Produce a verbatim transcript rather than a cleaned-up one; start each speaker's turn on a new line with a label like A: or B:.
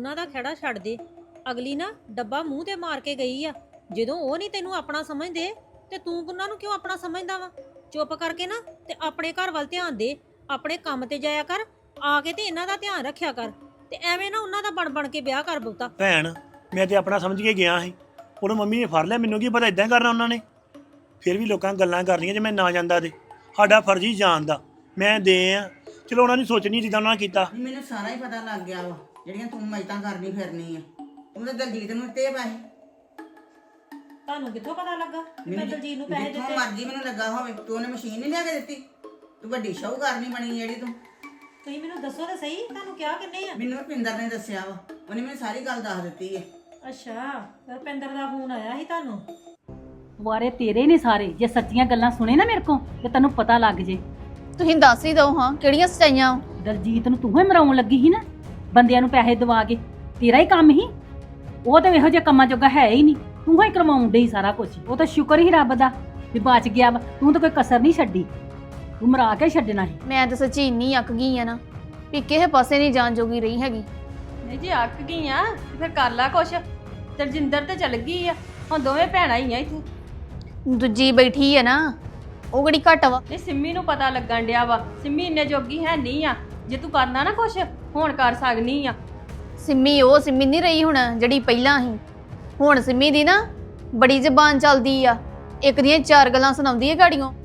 A: ਉਹਨਾਂ ਦਾ ਖਹਿੜਾ ਛੱਡ ਦੇ। ਅਗਲੀ ਨਾ ਡੱਬਾ ਮੂੰਹ ਤੇ ਮਾਰ ਕੇ ਗਈ ਆ। ਜਦੋਂ ਉਹ ਨਹੀਂ ਤੈਨੂੰ ਆਪਣਾ ਸਮਝਦੇ ਤੇ ਤੂੰ ਉਹਨਾਂ ਨੂੰ ਕਿਉਂ ਆਪਣਾ ਸਮਝਦਾ ਵਾ? ਚੁੱਪ ਕਰਕੇ ਨਾ ਤੇ ਆਪਣੇ ਘਰ ਵੱਲ ਧਿਆਨ ਦੇ, ਆਪਣੇ ਕੰਮ ਤੇ ਜਾਇਆ ਕਰ, ਆ ਕੇ ਤੇ ਇਹਨਾਂ ਦਾ ਧਿਆਨ ਰੱਖਿਆ ਕਰ, ਤੇ ਐਵੇਂ ਨਾ ਉਹਨਾਂ ਦਾ ਬਣ ਬਣ ਕੇ ਵਿਆਹ ਕਰ ਬਹੁਤਾ।
B: ਭੈਣ ਮੈਂ ਤੇ ਆਪਣਾ ਸਮਝ ਕੇ ਗਿਆ ਸੀ, ਉਹਨੂੰ ਮੰਮੀ ਨੇ ਫੜ ਲਿਆ, ਮੈਨੂੰ ਕੀ ਪਤਾ ਇਦਾਂ ਕਰਨਾ ਉਹਨਾਂ ਨੇ। ਫਿਰ ਵੀ ਲੋਕਾਂ ਗੱਲਾਂ ਕਰਨੀਆਂ ਜੇ ਮੈਂ ਨਾ ਜਾਂਦਾ ਤੇ ਸਾਡਾ ਫਰਜ਼ ਹੀ ਜਾਣ ਦਾ। ਮੈਂ ਦੇ ਆ ਚਲੋ ਉਹਨਾਂ ਨੇ ਸੋਚਣੀ ਜਿੱਦਾਂ ਉਹਨਾਂ ਨੇ ਕੀਤਾ।
C: ਮੈਨੂੰ ਸਾਰਾ ਹੀ ਪਤਾ ਲੱਗ ਗਿਆ ਵਾ ਜਿਹੜੀਆਂ ਤੂੰ ਮਜਤਾਂ ਕਰਨੀ ਫਿਰਨੀ ਆ। ਤੂੰ ਤਾਂ ਦਲਜੀਤ ਨੂੰ ਦਿੱਤੇ ਪੈਸੇ।
A: ਤੁਹਾਨੂੰ ਕਿੱਥੋਂ ਪਤਾ ਲੱਗਾ ਕਿ ਮੈਂ ਦਲਜੀਤ ਨੂੰ ਪੈਸੇ ਦਿੱਤੇ?
C: ਮਰਜ਼ੀ ਮੈਨੂੰ ਲੱਗਾ ਹੋਵੇ, ਤੂੰ ਉਹਨੇ ਮਸ਼ੀਨ ਨਹੀਂ ਲਿਆ ਕੇ ਦਿੱਤੀ। ਤੂੰ ਵੱਡੀ ਸ਼ਾਹੂਕਾਰ ਨਹੀਂ ਬਣੀ ਜਿਹੜੀ ਤੂੰ।
A: ਤੁਸੀਂ ਮੈਨੂੰ ਦੱਸੋ ਤਾਂ ਸਹੀ, ਤੁਹਾਨੂੰ ਕਿਹਾ ਕਿੰਨੇ ਆ?
C: ਮੈਨੂੰ ਰੁਪਿੰਦਰ ਨੇ ਦੱਸਿਆ ਵਾ, ਉਹਨੇ ਮੈਨੂੰ ਸਾਰੀ ਗੱਲ ਦੱਸ ਦਿੱਤੀ ਹੈ।
A: ਅੱਛਾ, ਰੁਪਿੰਦਰ ਦਾ ਫੋਨ ਆਇਆ ਸੀ ਤੁਹਾਨੂੰ?
D: ਵਾਰੇ ਤੇਰੇ ਨੇ ਸਾਰੇ। ਜੇ ਸੱਚੀਆਂ ਗੱਲਾਂ ਸੁਣੇ ਨਾ ਮੇਰੇ ਕੋਲ ਤੇ ਤੈਨੂੰ ਪਤਾ ਲੱਗ ਜੇ।
E: ਤੁਸੀਂ ਦੱਸ ਹੀ ਦਿਓ ਹਾਂ ਕਿਹੜੀਆਂ ਸਚਾਈਆਂ।
D: ਦਲਜੀਤ ਨੂੰ ਤੂੰ ਹੀ ਮਰਾਉਣ ਲੱਗੀ ਸੀ ਨਾ, ਬੰਦਿਆਂ ਨੂੰ ਪੈਸੇ ਦਵਾ ਕੇ। ਤੇਰਾ ਹੀ ਕੰਮ ਹੀ ਉਹ, ਤੇ ਇਹੋ ਜਿਹੇ ਕੰਮਾਂ ਜੋਗਾ ਹੈ ਹੀ ਨਹੀਂ। ਤੂੰ ਹੀ ਕਰਵਾਉਣ ਡਈ ਸਾਰਾ ਕੁਝ। ਉਹ ਤਾਂ ਸ਼ੁਕਰ ਹੀ ਰੱਬ ਦਾ ਵੀ ਬਚ ਗਿਆ ਵਾ। ਤੂੰ ਤਾਂ ਕੋਈ ਕਸਰ ਨਹੀਂ ਛੱਡੀ, ਤੂੰ ਮਰਾ ਕੇ ਛੱਡਣਾ ਸੀ।
E: ਮੈਂ ਤਾਂ ਸੱਚੀ ਇੰਨੀ ਅੱਕ ਗਈ ਆ ਨਾ ਵੀ ਕਿਸੇ ਪਾਸੇ ਨਹੀਂ ਜਾਣ ਜੋਗੀ ਰਹੀ ਹੈਗੀ।
F: ਨਹੀਂ ਜੀ ਅੱਕ ਗਈ ਆ ਤੇ ਫਿਰ ਕਰ ਲਾ ਕੁਛ। ਤਰਜਿੰਦਰ ਤੇ ਚਲ ਗਈ ਆ, ਹੁਣ ਦੋਵੇਂ ਭੈਣਾਂ ਹੀ ਆ ਇੱਥੇ।
E: ਦੂਜੀ ਬੈਠੀ ਆ ਨਾ, ਉਹ ਕਿਹੜੀ ਘੱਟ ਵਾ।
F: ਇਹ ਸਿੰਮੀ ਨੂੰ ਪਤਾ ਲੱਗਣ ਡਿਆ ਵਾ, ਸਿੰਮੀ ਇੰਨੇ ਜੋਗੀ ਹੈ ਨਹੀਂ ਆ। ਜੇ ਤੂੰ ਕਰਨਾ ਨਾ ਕੁਛ ਹੁਣ ਕਰ ਸਕਨੀ ਆ।
E: ਸਿੰਮੀ ਉਹ ਸਿੰਮੀ ਨਹੀਂ ਰਹੀ ਹੁਣ ਜਿਹੜੀ ਪਹਿਲਾਂ ਸੀ। ਹੁਣ ਸਿੰਮੀ ਦੀ ਨਾ ਬੜੀ ਜ਼ਬਾਨ ਚੱਲਦੀ ਆ, ਇੱਕ ਦੀਆਂ ਚਾਰ ਗੱਲਾਂ ਸੁਣਾਉਂਦੀ ਹੈ ਗਾੜੀਆਂ।